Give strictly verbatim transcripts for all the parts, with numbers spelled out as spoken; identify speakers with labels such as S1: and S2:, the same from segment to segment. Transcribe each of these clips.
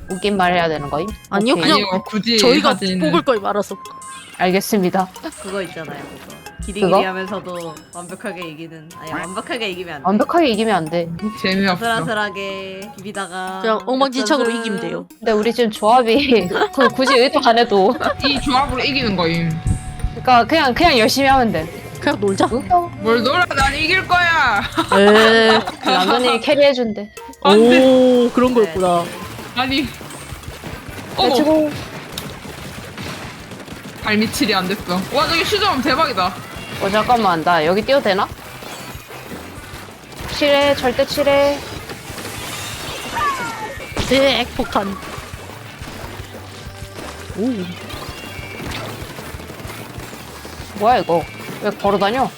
S1: 웃긴 말 해야 되는 거임?
S2: 아니요,
S1: 오케이.
S2: 그냥
S3: 아니요, 굳이
S2: 저희가
S3: 하진-
S2: 뽑을 걸 말아서.
S1: 알겠습니다.
S4: 그거 있잖아요. 그거.
S1: 그거?
S4: 기리기리 하면서도 완벽하게 이기는. 아니 완벽하게 이기면 안 돼.
S1: 완벽하게 이기면 안 돼.
S3: 재미없어.
S4: 아슬아슬하게 비비다가
S2: 그냥 엉망진창으로
S4: 역전승.
S2: 이기면 돼요.
S1: 근데 우리 지금 조합이 그 굳이 의도 안 해도
S3: 이 조합으로 이기는 거임.
S1: 그러니까 그냥 그냥 열심히 하면 돼.
S2: 그냥 놀자.
S1: 웃겨.
S3: 뭘 놀아? 난 이길 거야.
S2: 에.
S1: 남편이 캐리해준대.
S3: 안 돼.
S2: 오, 그런 거였구나.
S3: 아니. 어머.
S1: 그치고
S3: 발미칠이 안 됐어. 와 저기 슈점 대박이다.
S1: 어 잠깐만 나 여기 뛰어도 되나? 칠해 절대 칠해.
S2: 네, 핵폭탄. 오.
S1: 뭐야 이거? 왜 걸어다녀?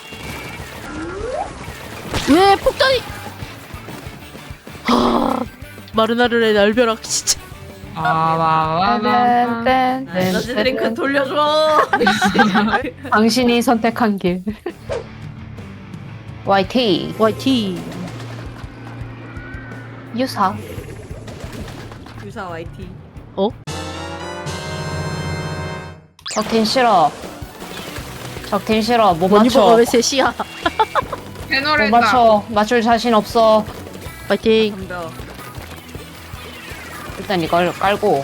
S2: 왜 폭탄이? 하. 마르나르의 날벼락 진짜.
S3: 아와와와.
S1: 땡,
S4: 나
S1: 땡,
S4: 에너지
S1: 땡,
S4: 드링크
S1: 땡.
S4: 돌려줘.
S1: 당신이 선택한 길. 와이티
S2: 와이티.
S1: 유사.
S4: 유사 와이티.
S2: 어?
S1: 적팀 싫어. 적팀 싫어. 못
S2: 머니버가
S1: 맞춰.
S2: 왜 셋이야?
S1: 못
S3: 배너랬다.
S1: 맞춰. 맞출 자신 없어.
S2: 파이팅.
S4: 덤벼.
S1: 일단 이걸 깔고.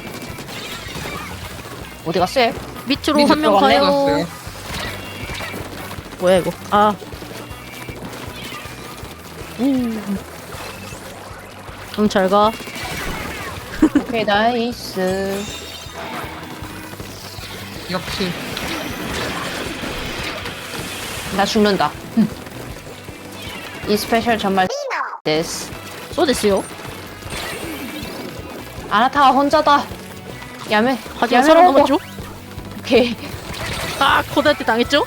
S1: 어디 갔어? 얘?
S2: 밑으로 한 명
S1: 들어갔네,
S2: 가요.
S3: 갔어요.
S2: 뭐야 이거? 아. 우. 그럼 잘 가.
S1: 오케이 나이스.
S3: 역시.
S1: 나 죽는다. 이 스페셜 정말 데스.
S2: 쏘됐어요.
S1: 아나타가 혼자다. 야매.
S2: 하지만
S1: 야매
S2: 살아남았죠?
S1: 오케이.
S2: 아, 코드한테 당했죠?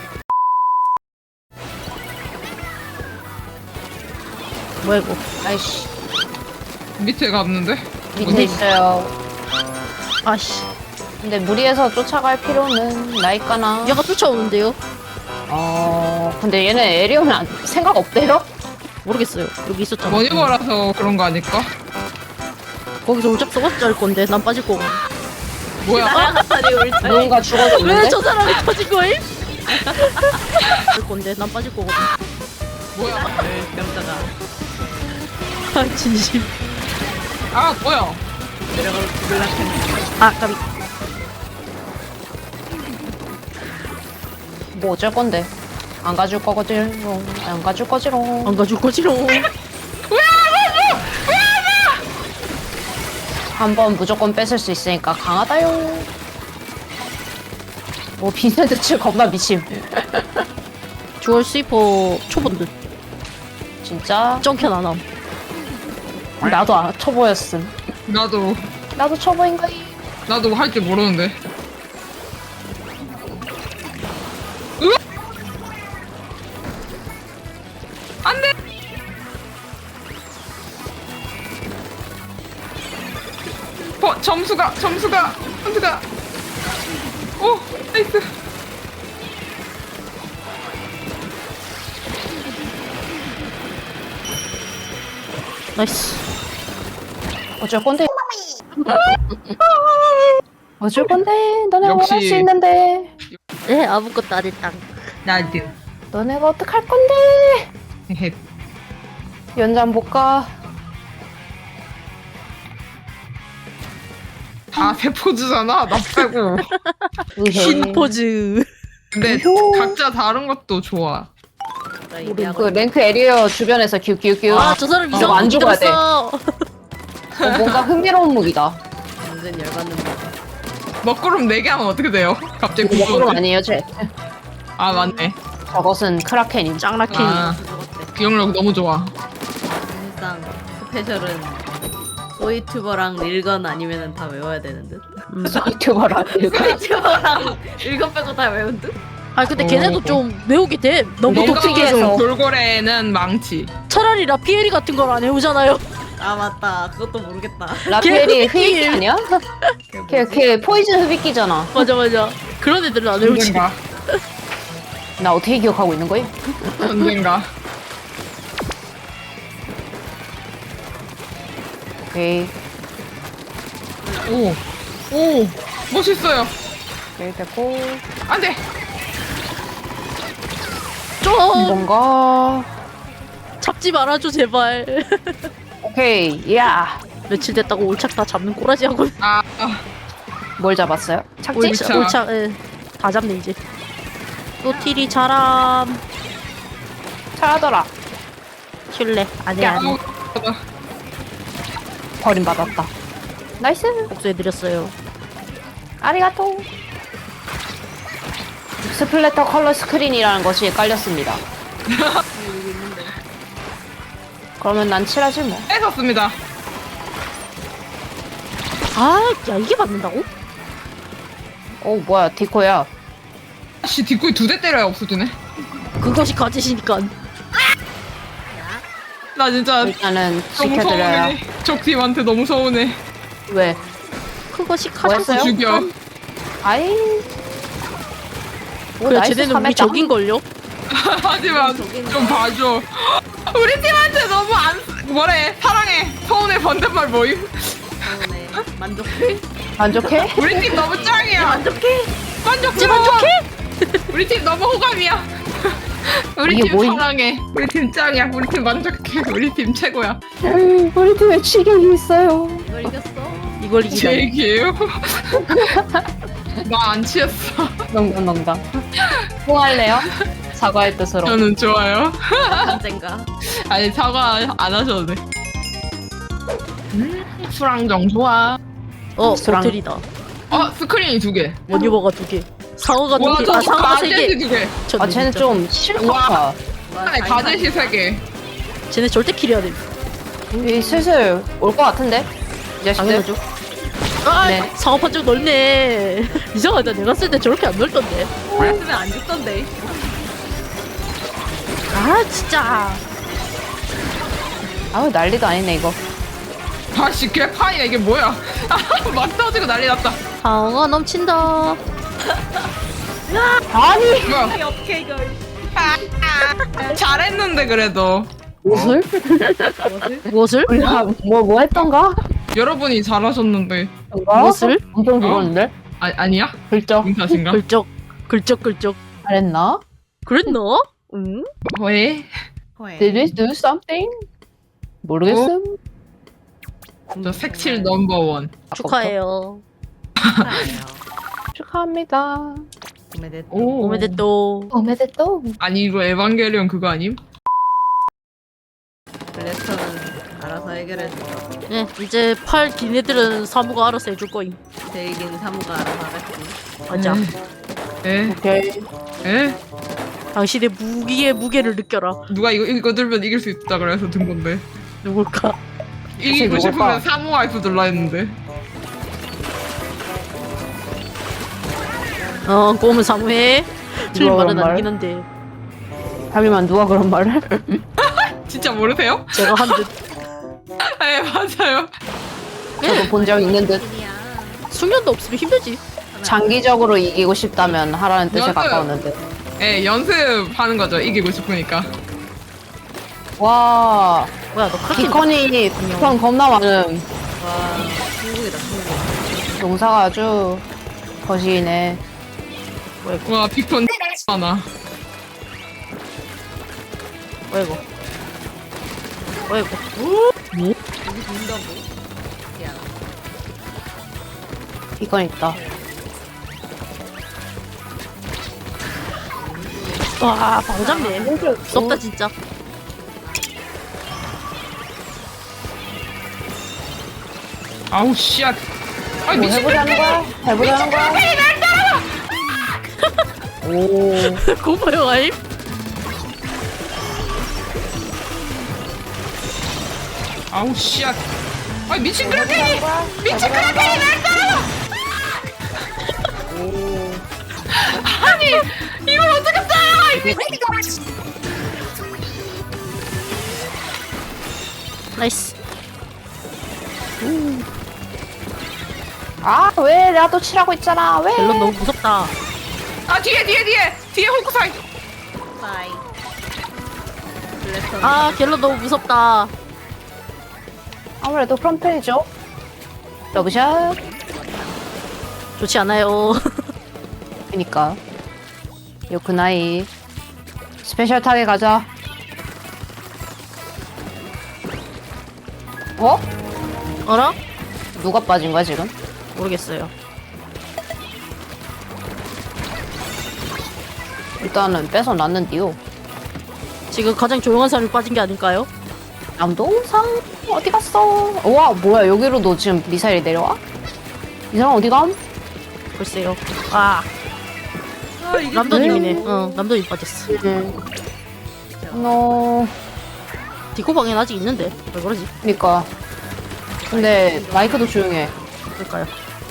S2: 뭐야 이거?
S1: 아이씨.
S3: 밑에 갔는데?
S1: 밑에
S3: 어디?
S1: 있어요.
S2: 아씨.
S1: 근데 무리해서 쫓아갈 필요는 나있까나.
S2: 얘가 쫓아오는데요?
S1: 어. 근데 얘는 에리오는 안- 생각 없대요?
S2: 모르겠어요. 여기 있었잖아.
S3: 머니버라서 그런 거 아닐까?
S2: 거기서 울짝 써봤자 할 건데 난 빠질 거고.
S3: 뭐야?
S4: 아니 우리 잘.
S1: 누군가
S2: 왜
S1: 죽어졌는데?
S2: 저 사람이 터진 거임? 할 건데 난 빠질 거거든.
S3: 뭐야?
S4: 명자가
S2: 아 진심.
S3: 아 뭐야?
S4: 내려가서 죽을라 했는데.
S2: 아 까비.
S1: 뭐 어쩔 건데? 안 가줄 거거지롱. 안 가줄 거지롱.
S2: 안 가줄 거지롱.
S1: 한 번 무조건 뺏을 수 있으니까 강하다요. 뭐 빈센트 칠 겁나 미침.
S2: 주얼 스위퍼 초본 듯.
S1: 진짜?
S2: 정캔 안 함.
S1: 나도 아, 초보였음.
S3: 나도
S1: 나도 초보인 거이.
S3: 나도 할 줄 모르는데. 으악! 안 돼! 어, 점수가, 점수가, 점수가. 오, 나이스.
S2: 나이스.
S1: 어쩔 건데? 어쩔 건데? 너네가
S3: 역시.
S1: 뭘 할 수 있는데?
S2: 네 아무것도 안 했다.
S3: 나도.
S1: 너네가 어떡할 건데?
S3: 헤헤.
S1: 연장 못 가.
S3: 다 세포즈잖아, 나 빼고.
S1: 의해.
S2: 신 포즈.
S3: 근데
S1: 우효.
S3: 각자 다른 것도 좋아.
S4: 나
S1: 우리
S4: 얘기하고
S1: 그 랭크 에리어 주변에서 큐큐큐.
S2: 아 저 사람
S1: 어,
S2: 이상한
S1: 안
S2: 무기
S1: 죽어야 돼.
S2: 들었어.
S1: 어, 뭔가 흥미로운 무기다.
S4: 완전 열받는 거.
S3: 먹구름 네 개 하면 어떻게 돼요? 갑자기
S1: 이거 먹구름
S3: 궁금해.
S1: 아니에요, 쟤.
S3: 아, 맞네.
S1: 저것은 크라켄임.
S2: 짱라켄.
S3: 아,
S4: 죽었대.
S3: 기억력 너무 좋아.
S4: 사실상 스페셜은 소이튜버랑 릴건 아니면은 다 외워야 되는 듯.
S2: 음.
S1: 유튜버라.
S4: 소이튜버랑 릴건 빼고 다 외운 듯.
S2: 아 근데
S3: 어.
S2: 걔네도 좀 외우게 돼. 너무
S1: 너무
S2: 독특해서.
S1: 독특해서.
S3: 돌고래는 망치.
S2: 차라리 라피에리 같은 걸 안 해오잖아요.
S4: 아 맞다. 그것도 모르겠다.
S1: 라펠이
S2: 걔
S1: 흡입기 아니야? 걔,
S4: 뭐지?
S1: 걔 포이즌 흡입기잖아.
S2: 맞아 맞아. 그런 애들은 안 외우지.
S3: 언젠가.
S1: 나 어떻게 기억하고 있는 거임?
S3: 언젠가.
S1: 오케이.
S3: 오, 오, 멋있어요.
S1: 오케이, 됐고.
S3: 안돼.
S4: 좀
S1: 뭔가.
S4: 잡지 말아줘 제발.
S1: 오케이, 야.
S4: 며칠 됐다고 올착 다 잡는 꼬라지 하고.
S3: 아, 아,
S1: 뭘 잡았어요? 착지?
S3: 올착.
S4: 올착 예. 다 잡네 이제. 또 티리 자람.
S1: 잘하더라.
S4: 킬레 아니
S1: 야.
S4: 아니.
S1: 버림받았다. 나이스.
S4: 복수해드렸어요.
S1: 아리가토. 스플래터 컬러 스크린이라는 것이 깔렸습니다. 그러면 난 칠하지 뭐.
S3: 뺏었습니다.
S4: 아, 야 이게 맞는다고?
S1: 오 뭐야 디코야.
S3: 씨, 뒷구이 두 대 때려야 없어지네.
S4: 그것이 가지시니까.
S3: 나 진짜
S1: 일단은
S3: 너무
S1: 지켜드려야.
S3: 서운해. 적팀한테 너무 서운해.
S1: 왜?
S4: 그것이
S1: 뭐
S4: 가장.
S1: 했어요?
S3: 죽여.
S1: 아이. 오,
S4: 그래
S1: 나이스
S4: 쟤네는 우리
S1: 삼회장.
S4: 적인걸요?
S3: 하지만 좀 봐줘. 우리 팀한테 너무 안 뭐래 사랑해 서운해 반대말 뭐임?
S4: 네, 만족해?
S1: 만족해?
S3: 우리 팀 너무 짱이야.
S4: 만족해?
S3: 만족
S4: 이제 만족해?
S3: 우리 팀 너무 호감이야. 우리
S1: 이게
S3: 팀
S1: 뭐임?
S3: 사랑해. 우리 팀 짱이야. 우리 팀 만족해. 우리 팀 최고야.
S1: 음, 우리 팀에 취객이 있어요.
S4: 이걸 이겼어? 이걸 이기다.
S3: 제 얘기예요. 나 안 취했어.
S1: 농담 농담. 뭐 할래요? 사과의 뜻으로.
S3: 저는 좋아요.
S4: 언젠가.
S3: 아니 사과 안 하셔도 돼. 음, 수랑정 좋아.
S4: 어,
S1: 수랑.
S4: 보틀이다.
S3: 어 스크린이 두 개.
S4: 원유버가 두 개. 상어가
S3: 와,
S4: 두 개.
S3: 저
S4: 아, 상어가 세
S3: 가젯이
S4: 개.
S3: 두 개.
S1: 아 쟤는 좀 싫다.
S3: 아니 가젯이 세 개.
S4: 쟤네 절대 킬해야 돼.
S1: 이 슬슬 올 것 같은데? 이 자식들.
S4: 당연하죠. 아,
S1: 네.
S4: 상어 판정 넓네. 이상하다. 내가 쓸 때 저렇게 안 넓던데. 쓰면 안 죽던데. 아, 진짜.
S1: 아우 난리도 아니네 이거.
S3: 아씨 개판이야 이게 뭐야? 막 터지고 난리 났다.
S4: 상어가 넘친다.
S1: 아니
S3: 뭐야?
S4: 어떻게 이걸.
S3: 아, 잘했는데 그래도
S1: 무엇을?
S4: 무엇을?
S1: 우리가 뭐뭐 했던가?
S3: 여러분이 잘하셨는데.
S1: 뭔가?
S4: 무엇을?
S1: 엄청 죽었는데?
S3: 아 아니야?
S1: 글쩍
S3: 인사신가?
S4: 글쩍. 글쩍 글쩍.
S1: 잘했나?
S4: 그랬나? 응?
S3: 왜?
S1: Did we do something? 모르겠음.
S3: 저 색칠 넘버 원.
S4: 축하해요.
S1: 축하합니다.
S3: 오.
S4: 오메데또.
S1: 오메데또.
S3: 아니 이거 에반게리온 그거 아님?
S2: 블래스터는 알아서 해결해줘.
S4: 네, 이제 팔 긴 애들은 사무가 알아서 해줄 거임.
S2: 대이긴 사무가 알아서 하겠지.
S4: 맞아.
S3: 에?
S1: 오케이.
S3: 에?
S4: 당신의 무기의 무게를 느껴라.
S3: 누가 이거 이거 들면 이길 수 있다 그래서 든 건데.
S4: 누굴까?
S3: 이기고
S1: 누굴까?
S3: 싶으면 사모와이프 눌러 했는데.
S4: 어, 꼬면 사무해. 틀린
S1: 누가
S4: 말은
S1: 그런
S4: 아니긴 한데
S1: 하기만 누가 그런 말을?
S3: 진짜 모르세요?
S4: 제가 한 듯.
S3: 네 맞아요.
S1: 저도 본 적 있는 듯.
S4: 숙련도 없으면 힘들지.
S1: 장기적으로 이기고 싶다면 하라는 뜻에
S3: 맞아요.
S1: 가까웠는 듯.
S3: 예 연습하는 거죠 이기고 싶으니까.
S1: 와,
S4: 뭐야, 너 크게
S1: 비컨이 비컨 겁나 많음.
S2: 와, 중국이다, 중국.
S1: 농사가 아주 거시기네.
S3: 와 빅톤 하나.
S4: 뭐야 이거? 뭐야 이거?
S2: 여기 본다고? 야,
S1: 비컨 있다.
S4: 와, 바로 잡네. 무섭다 진짜.
S3: 아우 씨앗. 아
S1: 뭐
S3: 미친.
S1: 해보자는 거야? 해보자는 거야? 오,
S4: 고마요 아임.
S3: 아우 씨앗. 아 미친 크라켄이. 미친 크라켄이 날 따라. 아니 이걸 어떻게 써요?
S4: 나이스.
S1: 아, 왜? 내가 또 칠하고 있잖아. 왜?
S4: 멜론 너무 무섭다.
S3: 아 뒤에 뒤에 뒤에 뒤에 홀크사이.
S2: 빠이. 블래스터는
S4: 아, 갤런 너무 무섭다.
S1: 아무래도 그런 편이죠. 러브샷.
S2: 좋지 않아요.
S1: 그니까. 요크나이. 스페셜 타게 가자. 어?
S2: 어라?
S1: 누가 빠진 거야 지금?
S2: 모르겠어요.
S1: 일단은 뺏어놨는데요.
S2: 지금 가장 조용한 사람이 빠진 게 아닐까요?
S1: 남동상 어디 갔어? 와 뭐야 여기로도 지금 미사일이 내려와? 이 사람 어디 감?
S2: 글쎄요. 아,
S4: 아, 이게
S2: 남도님이네. 어, 남도님 빠졌어.
S1: 음. 너
S2: 디코 방엔 아직 있는데 왜 그러지?
S1: 그니까. 근데 마이크도 조용해.
S2: 그럴까요?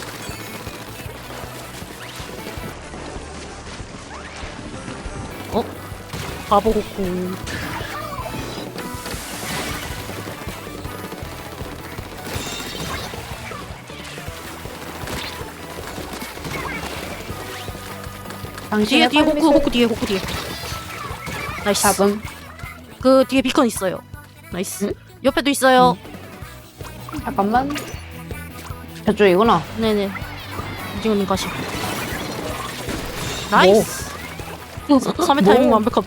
S2: 어? 바보 고쿠. 뒤에
S1: 당신의
S2: 뒤에 호크
S1: 팔미술
S2: 호크 뒤에 호크 뒤에. 나이스.
S1: 잡음.
S2: 그 뒤에 비컨 있어요. 나이스.
S1: 응?
S2: 옆에도 있어요.
S1: 잠깐만. 저쪽이구나.
S2: 네네. 이징어님 가시. 나이스. 삼 회 타이밍
S1: 뭐?
S2: 완벽함.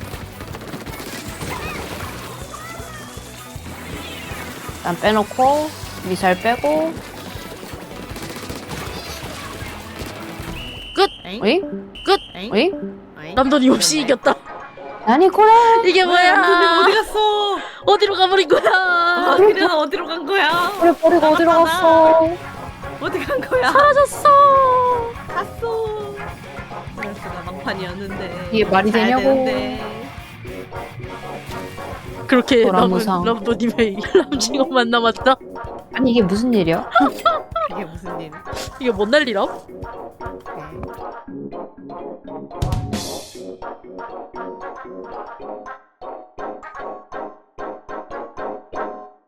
S1: 일단 빼놓고 미사일 빼고.
S2: 끝.
S4: 엥?
S1: 어이?
S2: 끝.
S4: 엥?
S1: 어이?
S4: 어이?
S2: 남돈이 없이 이겼다.
S1: 아니 코레.
S2: 이게
S4: 뭐야?
S2: 뭐야?
S4: 어디 갔어?
S2: 어디로 가버린 거야?
S4: 아, 그래는 어디로 간 거야?
S1: 코레 버리고 어디로 갔어?
S4: 어디 간 거야?
S2: 사라졌어.
S4: 갔어. 그럴 수가 막판이었는데.
S1: 이게 말이
S4: 가야
S1: 되냐고.
S4: 되는데.
S2: 그렇게 남은
S1: 도라무상.
S2: 남돈님의 람징어만 남았다.
S1: 아니 이게 무슨 일이야?
S4: 그게 무슨 일?
S2: 이게 뭔 난리람?
S4: 네.